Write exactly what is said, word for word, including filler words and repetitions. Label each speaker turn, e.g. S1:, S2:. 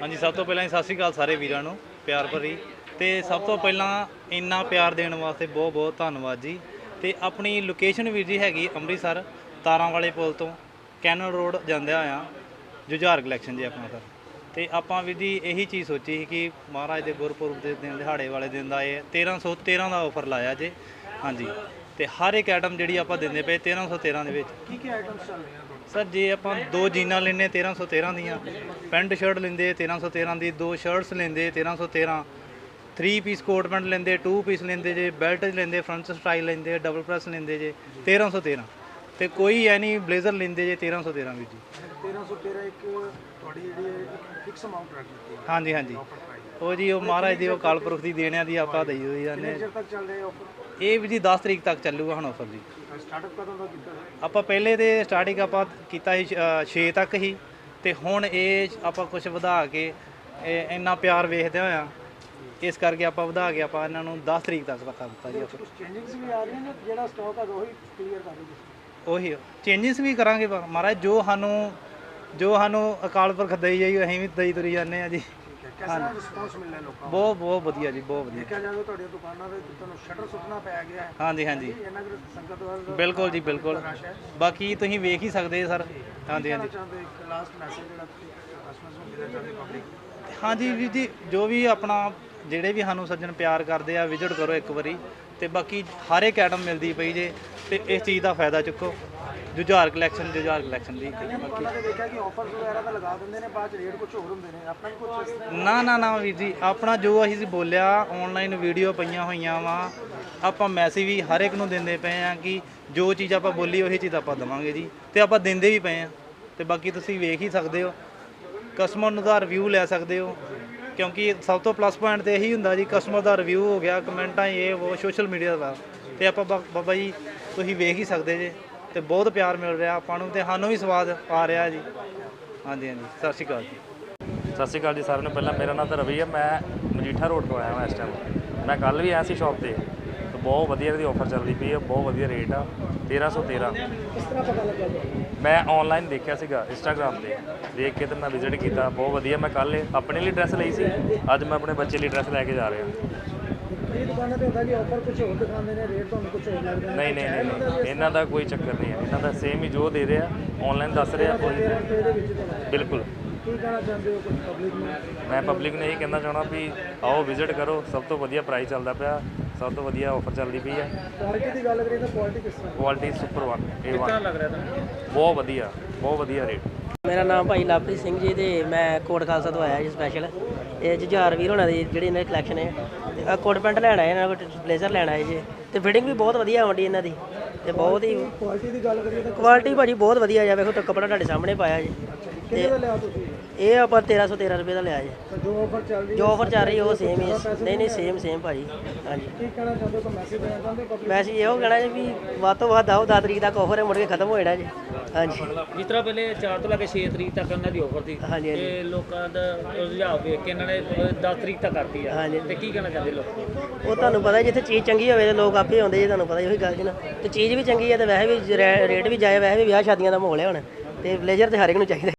S1: हाँ जी, सब तो पहला सत श्री अकाल सारे वीरां नूं प्यार भरी। तो सब तो पहला इन्ना प्यार देने वास्ते बहुत बहुत धन्नवाद जी। तो अपनी लोकेशन वीर जी हैगी अमृतसर तारां वाले पुल तो कैनल रोड जांदे होया जुझार कलैक्शन जी अपना सर। तो आपां वीर जी यही चीज़ सोची कि महाराज के गुरपुरब के दिन दिहाड़े वाले दिन का ये तेरह सौ तेरह का ऑफर लाया जे। हाँ जी, तो हर एक आइटम जी आप देंगे पे तेरह सौ तेरह के सर जे आप दो जीना लेने तेरह सौ तेरह दियाँ, पेंट शर्ट लेंदे तेरह सौ तेरह की, दो शर्ट्स लेंदे तेरह सौ तेरह, थ्री पीस कोट पेंट लेंदे, टू पीस लेंदे जे, बेल्ट लेंदे फ्रंट स्टाइल लेंदे, डबल प्रेस लेंदे जे तेरह सौ तेरह। तो कोई है नहीं ब्लेजर लेंदे जे तेरह सौ तेरह भी जी।
S2: तेरह सौ तेरह एक फिक्स अमाउंट रख दी।
S1: हाँ जी हाँ जी, वो जी वो महाराज की अकाल पुरख की देने की आप दई हुई जाने। ये भी जी दस तरीक तक चलूगा हम ऑफर जी।
S2: स्टार्टअप कदों दा कीता है?
S1: ਆਪਾਂ ਪਹਿਲੇ ਤੇ ਸਟਾਰਟਿੰਗ ਆਪਾਂ ਕੀਤਾ ਸੀ ਛੇ ਤੱਕ ਹੀ, ਤੇ ਹੁਣ ਇਹ ਆਪਾਂ ਕੁਝ ਵਧਾ ਕੇ ਇਹ ਇੰਨਾ ਪਿਆਰ ਵੇਖਦੇ ਹੋਇਆ ਇਸ ਕਰਕੇ ਆਪਾਂ ਵਧਾ ਕੇ ਆਪਾਂ ਇਹਨਾਂ ਨੂੰ ਦਸ ਤਰੀਕ ਤੱਕ ਪਤਾ ਦਿੱਤਾ ਜੀ।
S2: ਕੁਝ ਚੇਂਜਿੰਗਸ ਵੀ ਆ ਰਹੀਆਂ ਨੇ, ਜਿਹੜਾ ਸਟਾਕ ਹੈ ਉਹੀ ਕਲੀਅਰ ਕਰ ਦਿਓ ਤੁਸੀਂ।
S1: ਉਹੀ ਚੇਂਜਸ ਵੀ ਕਰਾਂਗੇ ਪਰ ਮਹਾਰਾਜ ਜੋ ਸਾਨੂੰ ਜੋ ਸਾਨੂੰ ਅਕਾਲ ਪੁਰਖ ਦਈ ਜਾਈ ਅਸੀਂ ਵੀ ਦਈ ਤੁਰੀ ਜਾਂਦੇ ਆ ਜੀ।
S2: ਕਿਹਦਾ ਰਿਸਪੌਂਸ ਮਿਲ ਰਿਹਾ ਲੋਕਾਂ ਨੂੰ?
S1: ਬਹੁਤ ਬਹੁਤ ਵਧੀਆ ਜੀ, ਬਹੁਤ ਵਧੀਆ।
S2: ਦੇਖਿਆ ਜਾਵੇ ਤੁਹਾਡੀਆਂ ਦੁਕਾਨਾਂ ਦੇ ਤੁਹਾਨੂੰ ਸ਼ਟਰ ਸੁੱਟਣਾ ਪੈ ਗਿਆ ਹੈ।
S1: ਹਾਂਜੀ ਹਾਂਜੀ
S2: ਇਹਨਾਂ ਦੇ ਸੰਗਤ ਵੱਲ
S1: ਬਿਲਕੁਲ ਜੀ ਬਿਲਕੁਲ, ਬਾਕੀ ਤੁਸੀਂ ਵੇਖ ਹੀ ਸਕਦੇ ਸਰ। ਹਾਂਜੀ ਹਾਂਜੀ
S2: ਚਾਹੁੰਦੇ ਇੱਕ ਲਾਸਟ ਮੈਸੇਜ ਜਿਹੜਾ ਤੁਸੀਂ ਕਸਟਮਰਸ ਨੂੰ ਦੇਣਾ ਚਾਹੁੰਦੇ ਪਬਲਿਕ?
S1: ਹਾਂਜੀ ਵੀਰ ਜੀ, ਜੋ ਵੀ ਆਪਣਾ ਜਿਹੜੇ ਵੀ ਸਾਨੂੰ ਸੱਜਣ ਪਿਆਰ ਕਰਦੇ ਆ ਵਿਜ਼ਿਟ ਕਰੋ ਇੱਕ ਵਾਰੀ, ਤੇ ਬਾਕੀ ਹਰ ਇੱਕ ਆਈਟਮ ਮਿਲਦੀ ਪਈ ਜੇ, ਤੇ ਇਸ ਚੀਜ਼ ਦਾ ਫਾਇਦਾ ਚੁੱਕੋ। ਜੁਝਾਰ ਕਲੈਕਸ਼ਨ ਜੁਝਾਰ ਕਲੈਕਸ਼ਨ ਦੀ
S2: ਦੁਕਾਨਾਂ ਤੇ ਦੇਖਿਆ ਕਿ ਆਫਰਸ ਵਗੈਰਾ ਤਾਂ ਲਗਾ ਦਿੰਦੇ ਨੇ, ਬਾਅਦ ਚ ਰੇਟ ਕੁਝ ਹੋਰ ਹੁੰਦੇ ਨੇ, ਆਪਣਾ ਵੀ ਕੁਝ ਇਸ ਤਰ੍ਹਾਂ?
S1: ਨਾ ਨਾ ਨਾ ਵੀਰ ਜੀ, ਆਪਣਾ ਜੋ ਅਸੀਂ ਬੋਲਿਆ ਆਨਲਾਈਨ ਵੀਡੀਓ ਪਈਆਂ ਹੋਈਆਂ ਵਾ, ਆਪਾਂ ਮੈਸੇਜ ਵੀ ਹਰ ਇੱਕ ਨੂੰ ਦਿੰਦੇ ਪਏ ਆ ਕਿ ਜੋ ਚੀਜ਼ ਆਪਾਂ ਬੋਲੀ ਉਹੀ ਚੀਜ਼ ਆਪਾਂ ਦੇਵਾਂਗੇ ਜੀ, ਤੇ ਆਪਾਂ ਦਿੰਦੇ ਵੀ ਪਏ ਆ। ਤੇ ਬਾਕੀ ਤੁਸੀਂ ਵੇਖ ਹੀ ਸਕਦੇ ਹੋ, ਕਸਟਮਰ ਨੂੰ ਦਾ ਰਿਵਿਊ ਲੈ ਸਕਦੇ ਹੋ, ਕਿਉਂਕਿ ਸਭ ਤੋਂ ਪਲੱਸ ਪੁਆਇੰਟ ਤੇ ਇਹੀ ਹੁੰਦਾ ਜੀ, ਕਸਟਮਰ ਦਾ ਰਿਵਿਊ ਹੋ ਗਿਆ, ਕਮੈਂਟਾਂ ਇਹ ਉਹ ਸੋਸ਼ਲ ਮੀਡੀਆ ਦਾ, ਤੇ ਆਪਾਂ ਬਾਬਾ ਜੀ ਤੁਸੀਂ ਵੇਖ ਹੀ ਸਕਦੇ ਜੇ। ਤੇ ਬਹੁਤ ਪਿਆਰ ਮਿਲ ਰਿਹਾ ਆਪਾਂ ਨੂੰ, ਤੇ ਸਾਨੂੰ ਵੀ ਸਵਾਦ ਆ ਰਿਹਾ ਜੀ। ਹਾਂਜੀ ਹਾਂਜੀ, ਸਤਿ ਸ਼੍ਰੀ ਅਕਾਲ ਜੀ।
S3: ਸਤਿ ਸ਼੍ਰੀ ਅਕਾਲ ਜੀ ਸਾਰਿਆਂ ਨੂੰ। ਪਹਿਲਾਂ ਮੇਰਾ ਨਾਮ ਤਾਂ ਰਵੀ ਹੈ, ਮੈਂ ਮਜੀਠਾ ਰੋਡ ਤੋਂ ਆਇਆ ਹਾਂ ਇਸ ਟਾਈਮ। ਮੈਂ ਕੱਲ੍ਹ ਵੀ ਆਇਆ ਸੀ ਸ਼ੌਪ 'ਤੇ, ਤੇ ਬਹੁਤ ਵਧੀਆ ਇਹਦੀ ਆਫਰ ਚੱਲਦੀ ਪਈ ਹੈ, ਬਹੁਤ ਵਧੀਆ ਰੇਟ ਆ ਤੇਰ੍ਹਾਂ ਸੌ ਤੇਰ੍ਹਾਂ।
S2: ਕਿਸ ਤਰ੍ਹਾਂ ਪਤਾ ਲੱਗਾ ਤੁਹਾਨੂੰ?
S3: ਮੈਂ ਆਨਲਾਈਨ ਦੇਖਿਆ ਸੀਗਾ ਇੰਸਟਾਗ੍ਰਾਮ 'ਤੇ, ਦੇਖ ਕੇ ਤੇ ਮੈਂ ਵਿਜ਼ਿਟ ਕੀਤਾ, ਬਹੁਤ ਵਧੀਆ। ਮੈਂ ਕੱਲ੍ਹ ਆਪਣੇ ਲਈ ਡਰੈਸ ਲਈ ਸੀ, ਅੱਜ ਮੈਂ ਆਪਣੇ ਬੱਚੇ ਲਈ ਡਰੈਸ ਲੈ ਕੇ ਜਾ ਰਿਹਾ।
S2: ਇਹ ਦੁਕਾਨਾਂ ਤੇ ਹੁੰਦਾ ਕਿ ਆਫਰ ਕੁਝ ਹੋਰ ਦਿਖਾਉਂਦੇ ਨੇ, ਰੇਟ ਤੁਹਾਨੂੰ ਕੁਝ ਹੋਰ ਲੱਗਦਾ ਹੈ?
S3: ਨਹੀਂ ਨਹੀਂ ਨਹੀਂ ਨਹੀਂ, ਇਹਨਾਂ ਦਾ ਕੋਈ ਚੱਕਰ ਨਹੀਂ ਹੈ, ਇਹਨਾਂ ਦਾ ਸੇਮ ਹੀ ਜੋ ਦੇ ਰਿਹਾ ਆਨਲਾਈਨ ਦੱਸ ਰਿਹਾ ਕੋਈ
S2: ਇਹਦੇ ਵਿੱਚ ਤੁਹਾਨੂੰ
S3: ਬਿਲਕੁਲ।
S2: ਕੀ ਕਹਿਣਾ ਚਾਹੁੰਦੇ ਹੋ ਕੁਝ ਪਬਲਿਕ ਨੂੰ?
S3: ਮੈਂ ਪਬਲਿਕ ਨੂੰ ਇਹੀ ਕਹਿਣਾ ਚਾਹੁੰਦਾ ਵੀ ਆਓ ਵਿਜ਼ਿਟ ਕਰੋ, ਸਭ ਤੋਂ ਵਧੀਆ ਪ੍ਰਾਈਸ ਚੱਲਦਾ ਪਿਆ, ਸਭ ਤੋਂ ਵਧੀਆ ਆਫਰ ਚੱਲਦੀ ਪਈ ਹੈ।
S2: ਕੁਆਲਿਟੀ ਦੀ ਗੱਲ ਕਰੀਏ ਤਾਂ ਕੁਆਲਿਟੀ ਕਿਸ ਤਰ੍ਹਾਂ?
S3: Quality super one A one.
S2: ਕਿੰਨਾ ਲੱਗ ਰਿਹਾ ਤੁਹਾਨੂੰ?
S3: ਬਹੁਤ ਵਧੀਆ, ਬਹੁਤ ਵਧੀਆ ਰੇਟ।
S4: ਮੇਰਾ ਨਾਮ ਭਾਈ ਲਵਪ੍ਰੀਤ ਸਿੰਘ ਜੀ, ਤੇ ਮੈਂ ਕੋਟ ਖਾਲਸਾ ਤੋਂ ਆਇਆ ਜੀ ਸਪੈਸ਼ਲ। ਇਹ ਜੁਝਾਰ ਵੀਰ ਹੋਣਾ ਦੀ ਜਿਹੜੀ ਇਹਨਾਂ ਦੀ ਕਲੈਕਸ਼ਨ ਹੈ, ਤੇ ਕੋਟ ਪੈਂਟ ਲੈਣਾ ਹੈ, ਇਹਨਾਂ ਕੋਲ ਬਲੇਜ਼ਰ ਲੈਣਾ ਹੈ ਜੀ, ਤੇ ਫਿਟਿੰਗ ਵੀ ਬਹੁਤ ਵਧੀਆ ਆਉਂਦੀ ਇਹਨਾਂ ਦੀ, ਤੇ ਬਹੁਤ ਹੀ
S2: ਕੁਆਲਿਟੀ ਦੀ ਗੱਲ ਕਰੀਏ ਤਾਂ
S4: ਕੁਆਲਿਟੀ ਭਾਜੀ ਬਹੁਤ ਵਧੀਆ ਜਾ। ਵੇਖੋ ਤਾਂ ਕੱਪੜਾ ਤੁਹਾਡੇ ਸਾਹਮਣੇ ਪਾਇਆ ਜੀ,
S2: ਕਿੰਨੇ ਦਾ ਲਿਆ ਤੁਸੀਂ?
S4: ਇਹ ਆਪਾਂ ਤੇਰ੍ਹਾਂ ਸੌ ਤੇਰ੍ਹਾਂ ਰੁਪਏ ਦਾ ਲਿਆ ਜੀ।
S2: ਤਾਂ ਜੋ ਆਫਰ ਚੱਲ ਰਹੀ
S4: ਜੋ ਆਫਰ ਚੱਲ ਰਹੀ ਉਹ ਸੇਮ ਹੀ ਹੈ। ਨਹੀਂ ਨਹੀਂ, ਸੇਮ ਸੇਮ ਭਾਜੀ। ਹਾਂਜੀ,
S2: ਕੀ ਕਹਿਣਾ ਚਾਹੁੰਦੇ ਹੋ? ਕੋਈ ਮੈਸੇਜ ਦੇਣਾ ਚਾਹੁੰਦੇ ਹੋ ਪਬਲਿਕ?
S4: ਵੈਸੇ ਇਹੋ ਕਹਿਣਾ ਜੀ ਵੀ ਵੱਧ ਤੋਂ ਵੱਧ ਆਓ, ਦਸ ਤਰੀਕ ਤੱਕ ਆਫਰ ਹੈ, ਮੁੜ ਕੇ ਖਤਮ ਹੋ ਜਾਣਾ ਜੀ। ਹਾਂਜੀ
S5: ਜਿਸ ਤਰ੍ਹਾਂ ਪਹਿਲੇ ਚਾਰ ਤੋਂ ਲੈ ਕੇ ਛੇ ਤਰੀਕ ਤੱਕ ਇਹਨਾਂ ਦੀ ਆਫਰ ਸੀ,
S4: ਹਾਂਜੀ ਹਾਂਜੀ
S5: ਤੇ ਲੋਕਾਂ ਦਾ ਰੁਝਾਨ ਵੇਖ ਕੇ ਇਹਨਾਂ ਨੇ ਦਸ ਤਰੀਕ ਤੱਕ ਕਰਤੀ ਆ।
S4: ਹਾਂਜੀ।
S5: ਤੇ ਕੀ ਕਹਿਣਾ ਚਾਹੁੰਦੇ ਲੋਕ?
S4: ਉਹ ਤੁਹਾਨੂੰ ਪਤਾ ਜਿੱਥੇ ਚੀਜ਼ ਚੰਗੀ ਹੋਵੇ ਤੇ ਲੋਕ ਆਪੇ ਆਉਂਦੇ ਜੀ, ਤੁਹਾਨੂੰ ਪਤਾ ਉਹੀ ਗੱਲ ਜੀ ਨਾ। ਤੇ ਚੀਜ਼ ਵੀ ਚੰਗੀ ਹੈ, ਤੇ ਵੈਸੇ ਵੀ ਰੇਟ ਵੀ ਜਾਏ, ਵੈਸੇ ਵੀ ਵਿਆਹ ਸ਼ਾਦੀਆਂ ਦਾ ਮਾਹੌਲ ਹੈ ਹੁਣ, ਤੇ ਬਲੇਜ਼ਰ ਤੇ ਹਰ ਇੱਕ ਨੂੰ ਚਾਹੀਦਾ।